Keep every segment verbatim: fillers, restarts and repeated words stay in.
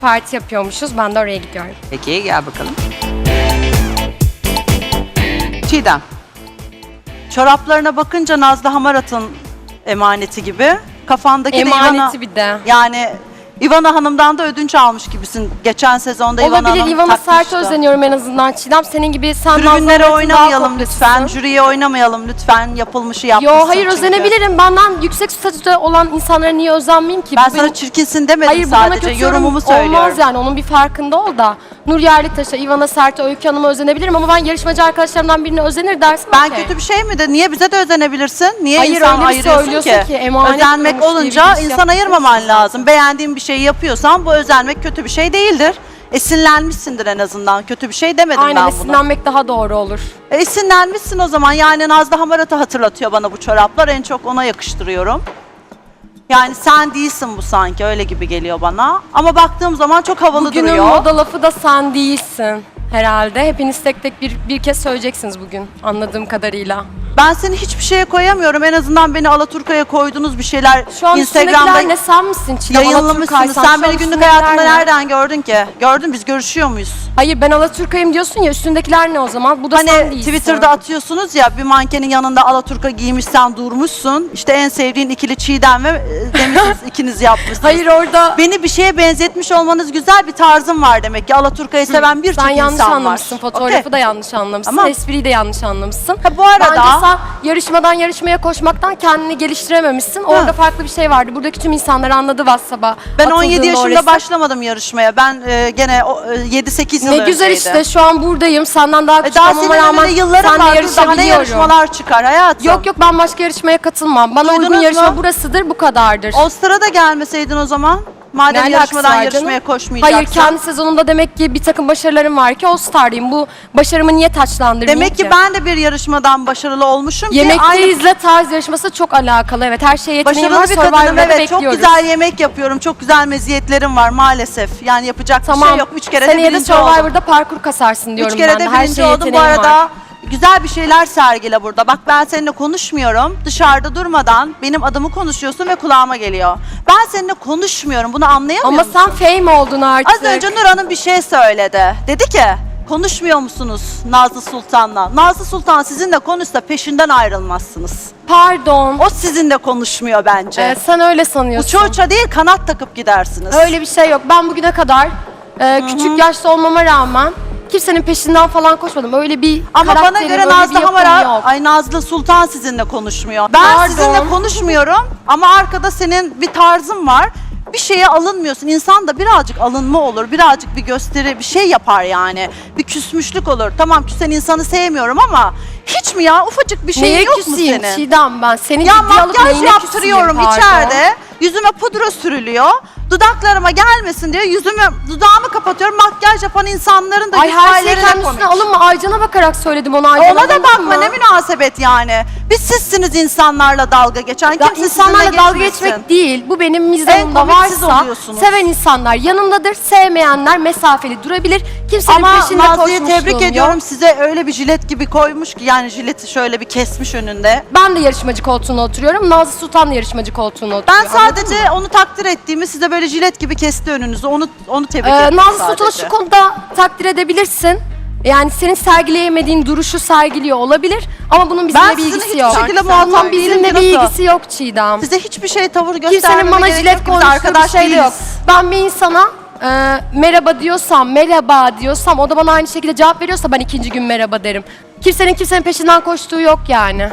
Parti yapıyormuşuz. Ben de oraya gidiyorum. Peki gel bakalım. Çiğdem. Çoraplarına bakınca Nazlı Hamarat'ın emaneti gibi. Kafandaki Emaneti de Ivana, bir de. yani Ivana Hanım'dan da ödünç almış gibisin. Geçen sezonda Ivana Olabilir. Hanım Ivana takmıştı. Sert'e özeniyorum en azından Çiğdem. Senin gibi sen Tribünlere Nazlı oynamayalım lütfen. Jüriye oynamayalım lütfen. Yapılmışı Yo yapmışsın hayır çünkü. özenebilirim. Benden yüksek statüde olan insanlara niye özenmeyeyim ki? Ben Bu sana benim- çirkinsin demedim Hayır, bu bana sadece. kötü Yorumumu yorum söylüyorum. Olmaz yani, onun bir farkında ol da. Nur Yerlitaş'a, Ivana Sert'e, Öykü Hanım'a özenebilirim ama ben yarışmacı arkadaşlarımdan birine özenir dersin. Ben okey. kötü bir şey mi de? Niye bize de özenebilirsin? Niye Hayır, insan öyle bir ayırıyorsun söylüyorsun ki? ki, emanet Özenmek diyormuş diye olunca bir iş insan yapmak ayırmaman istiyorsun. lazım. Beğendiğin bir şeyi yapıyorsan bu özenmek kötü bir şey değildir. Esinlenmişsindir en azından. Kötü bir şey demedim Aynen, ben buna. esinlenmek daha doğru olur. E, esinlenmişsin o zaman. Yani Nazlı Hamarat'ı hatırlatıyor bana bu çoraplar. En çok ona yakıştırıyorum. Yani sen değilsin bu sanki. Öyle gibi geliyor bana. Ama baktığım zaman çok havalı Bugünün duruyor. moda lafı da sen değilsin herhalde. Hepiniz tek tek bir, bir kez söyleyeceksiniz bugün anladığım kadarıyla. Ben seni hiçbir şeye koyamıyorum. En azından beni Alaturka'ya koydunuz bir şeyler. Şu an Instagram'da üstündekiler ne, sen misin Çiğdem? yayınlamışsınız. Alaturkaysan Sen şu beni an günlük üstündekiler hayatımda ne? nereden gördün ki? Gördün, biz görüşüyor muyuz? Hayır, ben Alaturka'yım diyorsun ya, üstündekiler ne o zaman? Bu da sen Hani değilsin. Twitter'da atıyorsunuz ya, bir mankenin yanında Alaturka giymişsen durmuşsun. İşte en sevdiğin ikili Çiğdem ve e, demişsiniz ikiniz yapmışsınız. Hayır, orada Beni bir şeye benzetmiş olmanız güzel, bir tarzım var demek ki. Alaturka'yı seven birçok sen yanlış insan var. anlamışsın. Fotoğrafı Okey. da yanlış anlamışsın. Tamam. Espriyi de yanlış anlamışsın. Ha, bu arada- Bence sen yarışmadan yarışmaya koşmaktan kendini geliştirememişsin. Orada farklı bir şey vardı. Buradaki tüm insanlar anladı WhatsApp'a. Ben on yedi atıldığında yaşında orası. başlamadım yarışmaya. Ben e, gene o, e, yedi sekiz yıl Ne güzel önceydi. işte, şu an buradayım. Senden daha E, küçük daha olmama senin rağmen önünde yılların seninle var. Daha ne yarışabiliyorum. yarışmalar çıkar hayatım. Yok yok, ben başka yarışmaya katılmam. Bana Duydunuz uygun yarışma mu? burasıdır, bu kadardır. All-Star'a da gelmeseydin o zaman. Madem Ne alakası yarışmadan var yarışmaya canım? koşmayacaksın. Hayır, kendi sezonumda demek ki bir takım başarılarım var ki All-Star'dayım. Bu başarımı niye taçlandırmayayım Demek ki ben de bir yarışmadan başarılı olmuşum ki Yemekte aynı izle tarz yarışması çok alakalı. Evet, her şeye yeteneğim var. başarılı bir kadınım. Survivor'da Evet, çok bekliyoruz. güzel yemek yapıyorum. Çok güzel meziyetlerim var maalesef. Yani yapacak bir Tamam. şey yok. Üç kere de Seneye de birinci oldum. Survivor'da parkur kasarsın diyorum Üç kere ben de. de Her birinci şeye oldum. Bu yeteneğim arada var. güzel bir şeyler sergile burada. Bak, ben seninle konuşmuyorum. Dışarıda durmadan benim adımı konuşuyorsun ve kulağıma geliyor. Ben seninle konuşmuyorum. Bunu anlayamıyor Ama musun? sen fame oldun artık. Az önce Nur Hanım bir şey söyledi. Dedi ki, konuşmuyor musunuz Nazlı Sultan'la? Nazlı Sultan sizinle konuşsa peşinden ayrılmazsınız. Pardon. O sizinle konuşmuyor bence. Ee, sen öyle sanıyorsun. Uça uça değil, kanat takıp gidersiniz. Öyle bir şey yok. Ben bugüne kadar e, küçük yaşta olmama rağmen kimsenin peşinden falan koşmadım. Öyle bir Ama bana karakterim, göre öyle bir Nazlı yapım Hamarat, yok. ay Nazlı Sultan sizinle konuşmuyor. Ben Pardon. sizinle konuşmuyorum ama arkada senin bir tarzın var. Bir şeye alınmıyorsun. İnsan da birazcık alınma olur, birazcık bir gösteri, bir şey yapar yani. Bir küsmüşlük olur. Tamam, küsen insanı sevmiyorum ama hiç mi ya, ufacık bir şey Neye yok mu küseyim senin? Çiğdem ben? Seni Ya ciddiye alıp makyaj neyine yaptırıyorum küseyim, pardon? içeride. Yüzüme pudra sürülüyor. Dudaklarıma gelmesin diye yüzümü, dudağımı kapatıyorum. Makyaj yapan insanların da Ay, her şeyi hikayelerine kendi komik. üstüne alınma. Aycan'a bakarak söyledim onu. Aycan'a Ona da alınma. bakma, ne münasebet yani. Biz sizsiniz insanlarla dalga geçen. Ya Kimse insanlarla sizinle dalga geçmesin. geçmek değil. Bu benim En mizahımda komik siz varsa oluyorsunuz. seven insanlar yanımdadır. Sevmeyenler mesafeli durabilir. Kimsenin Ama peşinde Nazlı'yı koşmuşluğum tebrik yok. ediyorum. Size öyle bir jilet gibi koymuş ki, yani jileti şöyle bir kesmiş önünde. Ben de yarışmacı koltuğuna oturuyorum. Nazlı Sultan da yarışmacı koltuğuna oturuyor. Ben sadece onu takdir ettiğimi, size böyle jilet gibi kesti önünüzü. Onu onu tebrik Ee, ettim Nazlı sadece. Sultan'ı şu konuda takdir edebilirsin. Yani senin sergileyemediğin duruşu sergiliyor olabilir ama bunun bizimle Ben bir sizinle ilgisi hiçbir yok. şekilde Bunun muhatap değilim bizimle ki, bir nasıl? ilgisi yok Çiğdem. Size hiçbir şey tavır göstermeme Kimsenin bana gerek jilet yok. Biz konuştuğu bir arkadaş şey de yok. değiliz. Ben bir insana e, merhaba diyorsam, merhaba diyorsam, o da bana aynı şekilde cevap veriyorsa ben ikinci gün merhaba derim. Kimsenin kimsenin peşinden koştuğu yok yani.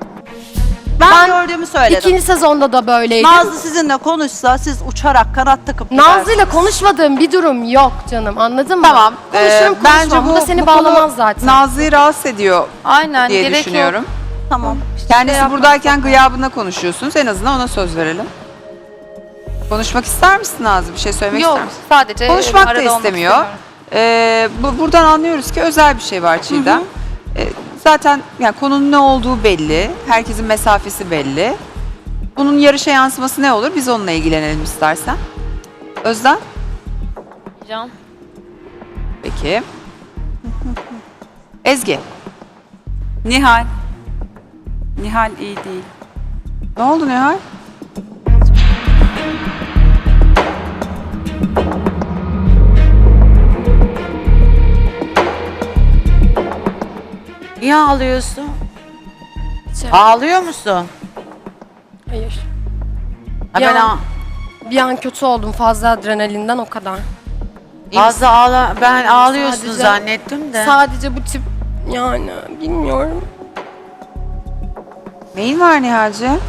Ben, Ben gördüğümü söyledim. İkinci sezonda da böyleydim. Nazlı sizinle konuşsa siz uçarak kanat takıp Nazlı'yla konuşmadığım bir durum yok canım, anladın mı? Tamam. Konuşurum Ee, konuşmam. bence Bu, bu, da seni bu konu bağlamaz zaten. Nazlı'yı rahatsız ediyor Aynen, diye gerek düşünüyorum. yok. Tamam. Kendisi yapmak buradayken zaten. gıyabına konuşuyorsunuz. En azından ona söz verelim. Konuşmak ister misin Nazlı? Bir şey söylemek Yok, ister misin? sadece Konuşmak da arada olmak istemiyor. istemiyorum. Ee, bu, buradan anlıyoruz ki özel bir şey var Çiğdem. Ee, zaten yani konunun ne olduğu belli. Herkesin mesafesi belli. Bunun yarışa yansıması ne olur? Biz onunla ilgilenelim istersen. Özlem? Can. Peki. Ezgi. Nihal. Nihal iyi değil. Ne oldu Nihal? Niye ağlıyorsun? Şey, Ağlıyor musun? hayır. Ha, Ya- ben ağ- Bir an kötü oldum fazla adrenalinden o kadar. fazla ağla ben ağlıyorsun Sadece- zannettim de. Sadece bu tip yani bilmiyorum. Neyin var Nihal'cığım?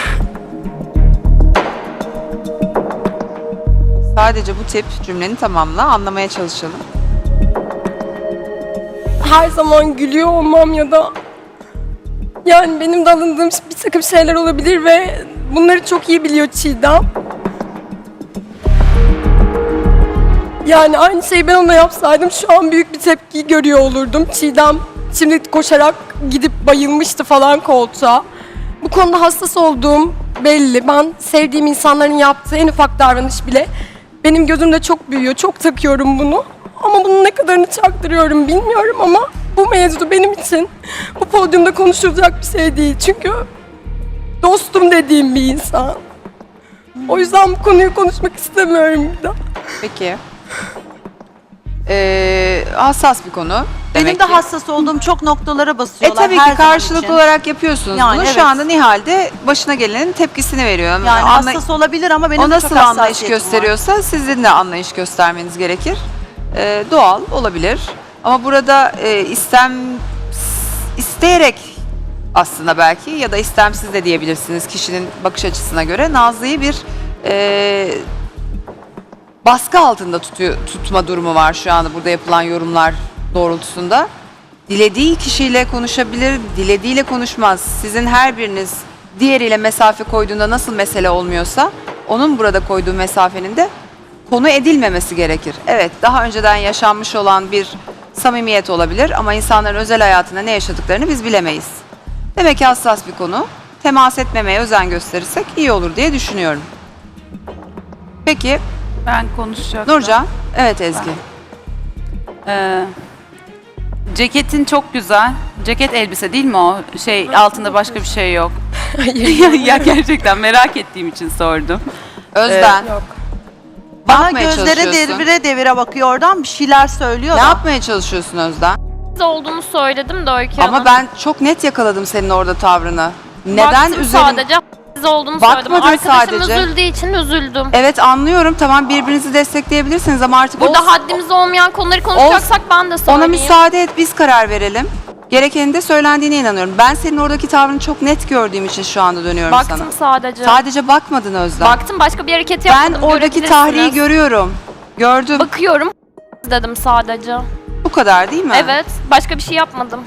Sadece bu tip cümleni tamamla, anlamaya çalışalım. Her zaman gülüyor olmam ya da yani benim de alındığım bir takım şeyler olabilir ve bunları çok iyi biliyor Çiğdem. Yani aynı şeyi ben ona yapsaydım şu an büyük bir tepki görüyor olurdum. Çiğdem şimdi koşarak gidip bayılmıştı falan koltuğa. Bu konuda hassas olduğum belli. Ben sevdiğim insanların yaptığı en ufak davranış bile benim gözümde çok büyüyor. Çok takıyorum bunu. Ama bunun ne kadarını çaktırıyorum bilmiyorum ama bu mevzu benim için bu podyumda konuşulacak bir şey değil. Çünkü dostum dediğim bir insan. O yüzden bu konuyu konuşmak istemiyorum bir daha. Peki. Ee, hassas bir konu. Benim demek de ki. hassas olduğum çok noktalara E basıyorlar. tabii her ki zaman karşılıklı için. olarak yapıyorsunuz Yani bunu. evet. Şu anda Nihal de başına gelenin tepkisini veriyor. Yani Anlay- hassas olabilir ama benim o de nasıl çok anlayış hassasiyetim var. gösteriyorsa sizin de anlayış göstermeniz gerekir. Ee, doğal olabilir. Ama burada e, istem isteyerek aslında belki ya da istemsiz de diyebilirsiniz kişinin bakış açısına göre Nazlı'yı bir e, baskı altında tutuyor, tutma durumu var şu anda burada yapılan yorumlar doğrultusunda. Dilediği kişiyle konuşabilir, dilediğiyle konuşmaz. Sizin her biriniz diğeriyle mesafe koyduğunda nasıl mesele olmuyorsa onun burada koyduğu mesafenin de konu edilmemesi gerekir. Evet, daha önceden yaşanmış olan bir samimiyet olabilir ama insanların özel hayatında ne yaşadıklarını biz bilemeyiz. Demek ki hassas bir konu. Temas etmemeye özen gösterirsek iyi olur diye düşünüyorum. Peki, Ben konuşacaktım. Nurcan. Evet Ezgi. Ee, ceketin çok güzel. Ceket elbise değil mi o? Şey altında başka bir şey yok. Hayır. ya gerçekten merak ettiğim için sordum. Özden. Yok. Bana yapmaya gözleri çalışıyorsun? devire devire bakıyor oradan bir şeyler söylüyor Ne da. yapmaya çalışıyorsun Özden? Siz olduğunu söyledim de Öykü Hanım. Ama ben çok net yakaladım senin orada tavrını. Neden Baktım üzerin... sadece siz olduğunu Bakmadın söyledim. Arkadaşım sadece. üzüldüğü için üzüldüm. Evet anlıyorum, tamam birbirinizi destekleyebilirsiniz ama artık Burada o- haddimiz olmayan konuları konuşacaksak ben de söyleyeyim. ona müsaade et, biz karar verelim. Gerekenin de söylendiğine inanıyorum. Ben senin oradaki tavrını çok net gördüğüm için şu anda dönüyorum Baktım sana. sadece. Sadece bakmadın Özlem. Baktım başka bir hareket ben yapmadım. oradaki görebilirsiniz. tahriyi görüyorum. Gördüm. Bakıyorum dedim sadece. Bu kadar değil mi? Evet. Başka bir şey yapmadım.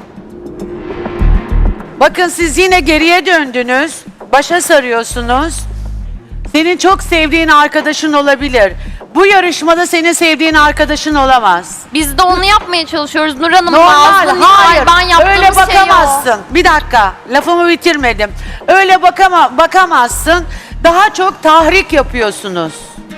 Bakın siz yine geriye döndünüz. Başa sarıyorsunuz. Senin çok sevdiğin arkadaşın olabilir. Bu yarışmada senin sevdiğin arkadaşın olamaz. Biz de onu yapmaya çalışıyoruz Nur Hanım. Normal, Nazlı, hayır. Ben yaptığımız Öyle şey o. bakamazsın. Bir dakika, lafımı bitirmedim. Öyle bakama, bakamazsın. Daha çok tahrik yapıyorsunuz.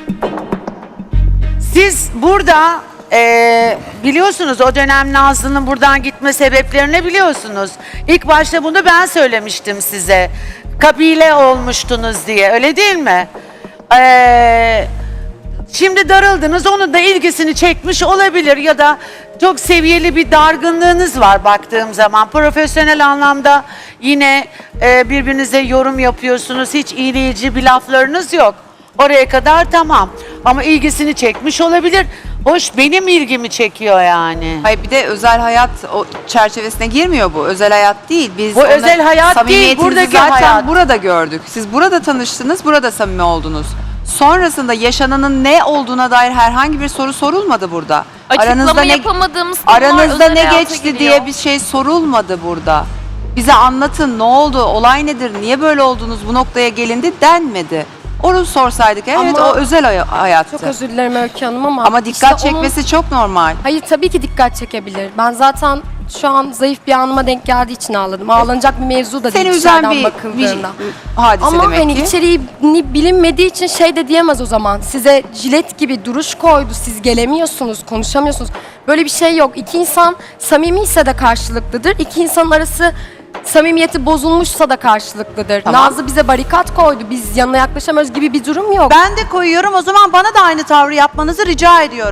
Siz burada eee, biliyorsunuz o dönem Nazlı'nın buradan gitme sebeplerini biliyorsunuz. İlk başta bunu ben söylemiştim size. Kabile olmuştunuz diye, öyle değil mi? Eee Şimdi darıldınız, onun da ilgisini çekmiş olabilir ya da çok seviyeli bir dargınlığınız var baktığım zaman. Profesyonel anlamda yine e, birbirinize yorum yapıyorsunuz, hiç iğneyici bir laflarınız yok. Oraya kadar tamam ama ilgisini çekmiş olabilir. Hoş, benim ilgimi çekiyor yani. Hayır bir de özel hayat o çerçevesine girmiyor bu. Özel hayat değil. Biz Bu onunla özel hayat değil, samimiyetinizi buradaki zaten hayat. burada gördük. Siz burada tanıştınız, burada samimi oldunuz. Sonrasında yaşananın ne olduğuna dair herhangi bir soru sorulmadı burada. Açıklama ne yapamadığımız konular aranızda özel ne hayata geçti giriyor. diye bir şey sorulmadı burada. Bize anlatın ne oldu, olay nedir, niye böyle oldunuz, bu noktaya gelindi denmedi. Onu sorsaydık evet Ama- o özel hay- hayattı. Çok özür dilerim Öykü Hanım ama... Ama dikkat işte onun- çekmesi çok normal. Hayır tabii ki dikkat çekebilir. Ben zaten şu an zayıf bir anıma denk geldiği için ağladım. Ağlanacak bir mevzu da değil Seni üzen dışarıdan bir, bir bakıldığında. hadise Ama demek hani ki. içeriğini bilinmediği için şey de diyemez o zaman. Size jilet gibi duruş koydu. Siz gelemiyorsunuz, konuşamıyorsunuz. Böyle bir şey yok. İki insan samimiyse de karşılıklıdır. İki insanın arası samimiyeti bozulmuşsa da karşılıklıdır. Tamam. Nazlı bize barikat koydu. Biz yanına yaklaşamıyoruz gibi bir durum yok. Ben de koyuyorum o zaman bana da aynı tavrı yapmanızı rica ediyorum.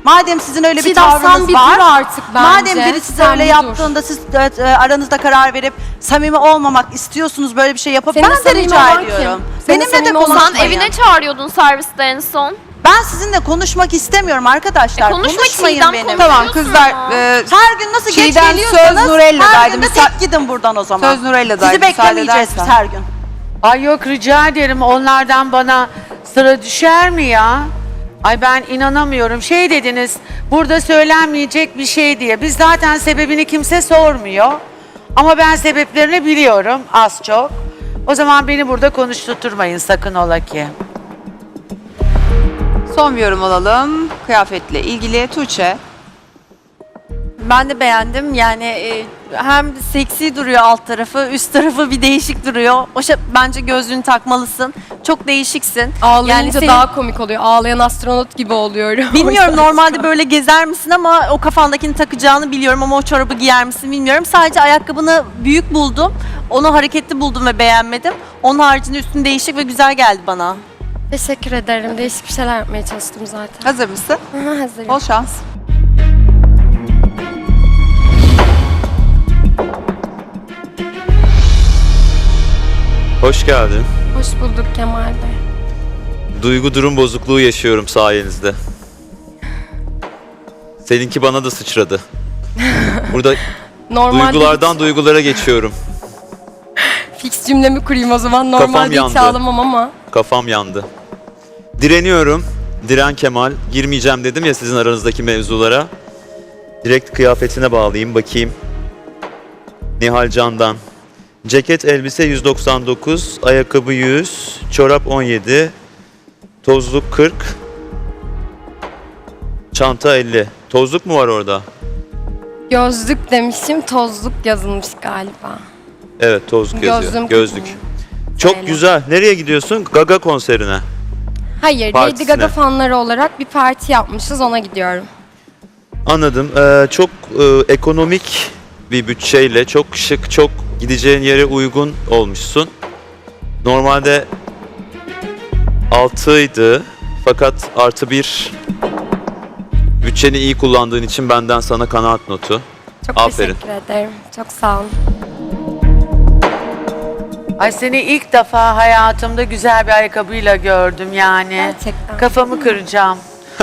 Madem sizin öyle bir Çiğdem, sen tavrınız bir var. dur artık bence. Madem biri size Sen öyle bir dur. yaptığında siz e, e, aranızda karar verip samimi olmamak istiyorsunuz, böyle bir şey yapıp Senin ben de samimi rica olan ediyorum. kim? Senin Benimle de samimi olan- konuşmayın. Sen evine çağırıyordun serviste en son. Ben sizinle konuşmak istemiyorum arkadaşlar. E, konuşma Konuşmayın Çiğdem, benim. konuş. Tamam Biliyorsun kızlar. ama. e, Her gün nasıl geç Çiğdem, geliyorsanız söz Nurella'daydı. her gün de Müsa- tek gidin buradan o zaman. Söz Nurella'daydı, Sizi müsaade beklemeyeceğiz biz edersen. her gün. Ay yok rica ederim onlardan bana sıra düşer mi ya? Ay ben inanamıyorum. Şey dediniz burada söylenmeyecek bir şey diye. Biz zaten sebebini kimse sormuyor. Ama ben sebeplerini biliyorum az çok. O zaman beni burada konuşturtmayın sakın ola ki. Son bir yorum alalım. Kıyafetle ilgili Tuğçe. Ben de beğendim. Yani e, hem seksi duruyor alt tarafı, üst tarafı bir değişik duruyor. O şey, bence gözlüğünü takmalısın. Çok değişiksin. Ağlayınca senin- daha komik oluyor. Ağlayan astronot gibi oluyorum. Bilmiyorum normalde böyle gezer misin ama o kafandakini takacağını biliyorum ama o çorabı giyer misin bilmiyorum. Sadece ayakkabını büyük buldum. Onu hareketli buldum ve beğenmedim. Onun haricinde üstün değişik ve güzel geldi bana. Teşekkür ederim. Değişik bir şeyler yapmaya çalıştım zaten. Hazır mısın? Hı hı, hazırım. Bol şans. Hoş geldin. Hoş bulduk Kemal Bey. Duygu durum bozukluğu yaşıyorum sayenizde. Seninki bana da sıçradı. Burada Normalde duygulardan duygulara geçiyorum. fix cümlemi kurayım o zaman. Kafam Normalde hiç yandı. ağlamam ama. Kafam yandı. Direniyorum. Diren Kemal. Girmeyeceğim dedim ya sizin aranızdaki mevzulara. Direkt kıyafetine bağlayayım bakayım. Nihal Can'dan. Ceket elbise yüz doksan dokuz, ayakkabı yüz, çorap on yedi, tozluk kırk, çanta elli. Tozluk mu var orada? Gözlük demişim, tozluk yazılmış galiba. Evet, tozluk yazıyor. Gözlüm Gözlük. kırmızı. Çok Öyle. güzel. Nereye gidiyorsun? Gaga konserine. Hayır, Partisine. Lady Gaga fanları olarak bir parti yapmışız, ona gidiyorum. Anladım. Ee, çok e, ekonomik bir bütçeyle, çok şık, çok gideceğin yere uygun olmuşsun. Normalde altıydı fakat artı bir bütçeni iyi kullandığın için benden sana kanaat notu. Çok Aferin. teşekkür ederim. Çok sağ olun. Ay seni ilk defa hayatımda güzel bir ayakkabıyla gördüm yani. Gerçekten. Kafamı kıracağım.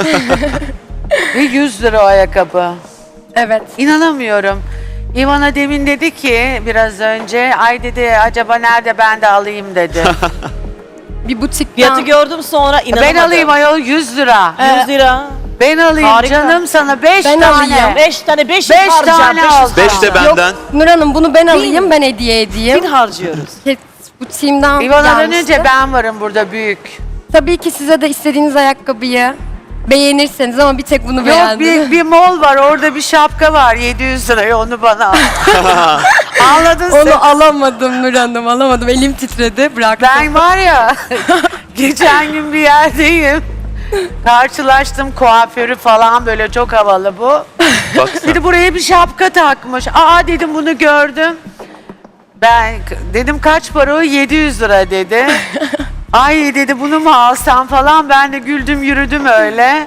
Ve yüz lira o ayakkabı. Evet. İnanamıyorum. İvana demin dedi ki biraz önce ay dedi acaba nerede ben de alayım dedi. Bir butikten. Fiyatı gördüm sonra inanamadım. ben alayım ayol yüz lira. yüz lira. Ben alayım Harika. canım sana beş Ben tane. alayım. Beş tane, beş, Beş harcayacağım. tane beş yüz al. Beş de harcayacağım. Yok benden. Nur Hanım, bunu ben alayım, ben hediye edeyim. Bin harcıyoruz. Ke- Butiğimden İvana'dan gelmişti. önce ben varım burada büyük. Tabii ki size de istediğiniz ayakkabıyı beğenirseniz ama bir tek bunu Yok beğendim. bir, bir mol var orada bir şapka var yedi yüz liraya onu bana al. Anladın sen. Onu alamadım Nur Hanım, alamadım. Elim titredi, bıraktım. Ben var ya geçen gün bir yerdeyim. Karşılaştım kuaförü falan böyle çok havalı bu. Bak sen. Dedi buraya bir şapka takmış. Aa dedim bunu gördüm. Ben k- dedim kaç para o? yedi yüz lira dedi. Ay dedi bunu mu alsam falan. Ben de güldüm yürüdüm öyle.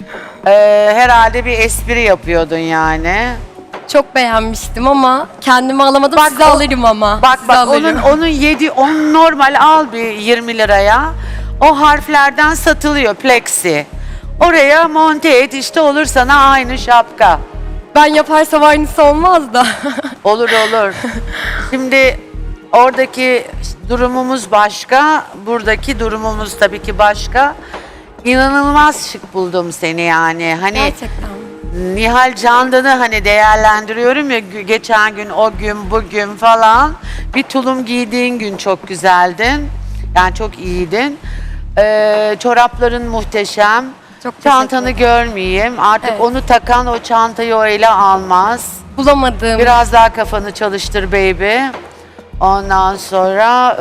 Ee, herhalde bir espri yapıyordun yani. Çok beğenmiştim ama kendimi alamadım. Bak Size o- alırım ama. Bak Size bak alırım. onun onun yedi on normal al bir yirmi liraya. O harflerden satılıyor plexi. Oraya monte et işte olur sana aynı şapka. Ben yaparsam aynısı olmaz da. Olur olur. Şimdi oradaki durumumuz başka, buradaki durumumuz tabii ki başka. İnanılmaz şık buldum seni yani. Hani Gerçekten. Nihal Candan'ı hani değerlendiriyorum ya gü- geçen gün o gün bugün falan. Bir tulum giydiğin gün çok güzeldin. Yani çok iyiydin. Ee, çorapların muhteşem. Çok teşekkür Çantanı ederim. görmeyeyim. Artık Evet. onu takan o çantayı o ele almaz. Bulamadım. Biraz daha kafanı çalıştır baby. Ondan sonra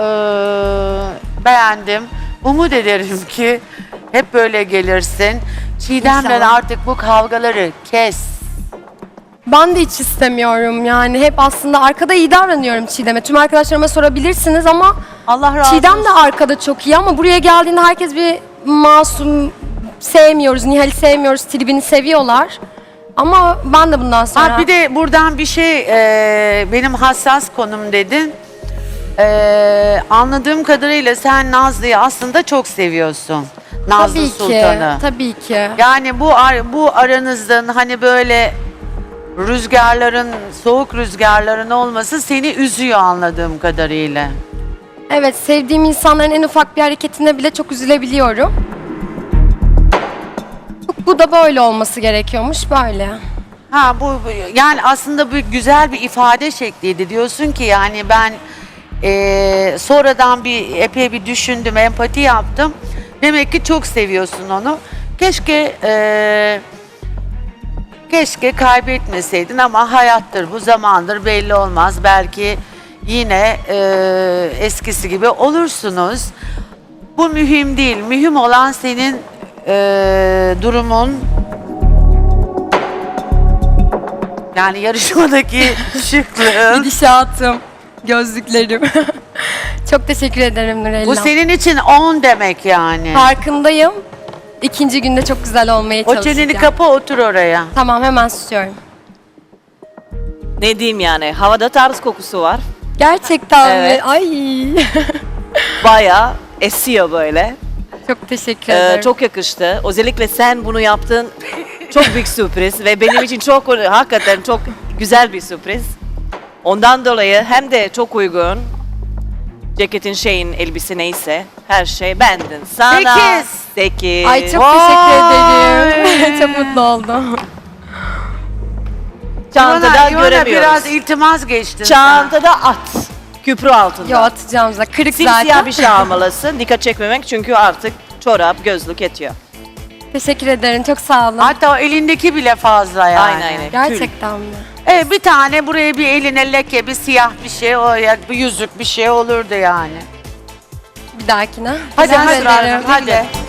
eee, beğendim. Umut ederim ki hep böyle gelirsin. Çiğdem'le İnşallah. artık bu kavgaları kes. Ben de hiç istemiyorum yani. Hep aslında arkada iyi davranıyorum Çiğdem'e. Tüm arkadaşlarıma sorabilirsiniz ama Allah razı Çiğdem de olsun. arkada çok iyi ama buraya geldiğinde herkes bir masum sevmiyoruz, Nihal'i sevmiyoruz, tribini seviyorlar. Ama ben de bundan sonra... Ha, bir de buradan bir şey e, benim hassas konum dedin. E, anladığım kadarıyla sen Nazlı'yı aslında çok seviyorsun. Nazlı tabii Sultan'ı. ki, tabii ki. Yani bu ar- bu aranızdan hani böyle rüzgarların, soğuk rüzgarların olması seni üzüyor anladığım kadarıyla. Evet, sevdiğim insanların en ufak bir hareketine bile çok üzülebiliyorum. Bu da böyle olması gerekiyormuş, böyle. Ha bu bu- yani aslında bu güzel bir ifade şekliydi. Diyorsun ki yani ben eee, sonradan bir epey bir düşündüm, empati yaptım. Demek ki çok seviyorsun onu. Keşke eee, keşke kaybetmeseydin ama hayattır, bu zamandır belli olmaz. Belki yine eee, eskisi gibi olursunuz. Bu mühim değil. Mühim olan senin eee, durumun. Yani yarışmadaki şıklığın. Gidişatım, gözlüklerim. Çok teşekkür ederim Nurella. Bu senin için on demek yani. Farkındayım. İkinci günde çok güzel olmaya O çalışacağım. çeneni kapa, otur oraya. Tamam, hemen susuyorum. Ne diyeyim yani? Havada tarz kokusu var. Gerçekten Evet. mi? Ay. Bayağı esiyor böyle. Çok teşekkür Ee, ederim. çok yakıştı. Özellikle sen bunu yaptın. Çok büyük sürpriz ve benim için çok hakikaten çok güzel bir sürpriz. Ondan dolayı hem de çok uygun. Ceketin şeyin elbise neyse her şey bendin. Sana Sekiz. sekiz. Ay çok Vay. teşekkür ederim. Çok mutlu oldum. Çantada İvana- İvana göremiyoruz. biraz iltimas geçtin sen. Çantada at. Küprü altında. Yo, atacağım zaten. Kırık Simsiyah zaten. bir şey almalısın. Dikkat çekmemek çünkü artık çorap, gözlük yetiyor. Teşekkür ederim. Çok sağ olun. Hatta o elindeki bile fazla yani. Aynen aynen. Gerçekten mi? Evet, bir tane buraya bir eline leke, bir siyah bir şey, oraya bir yüzük bir şey olurdu yani. Bir dahakine. Hadi Teşekkür hadi ederim. hadi.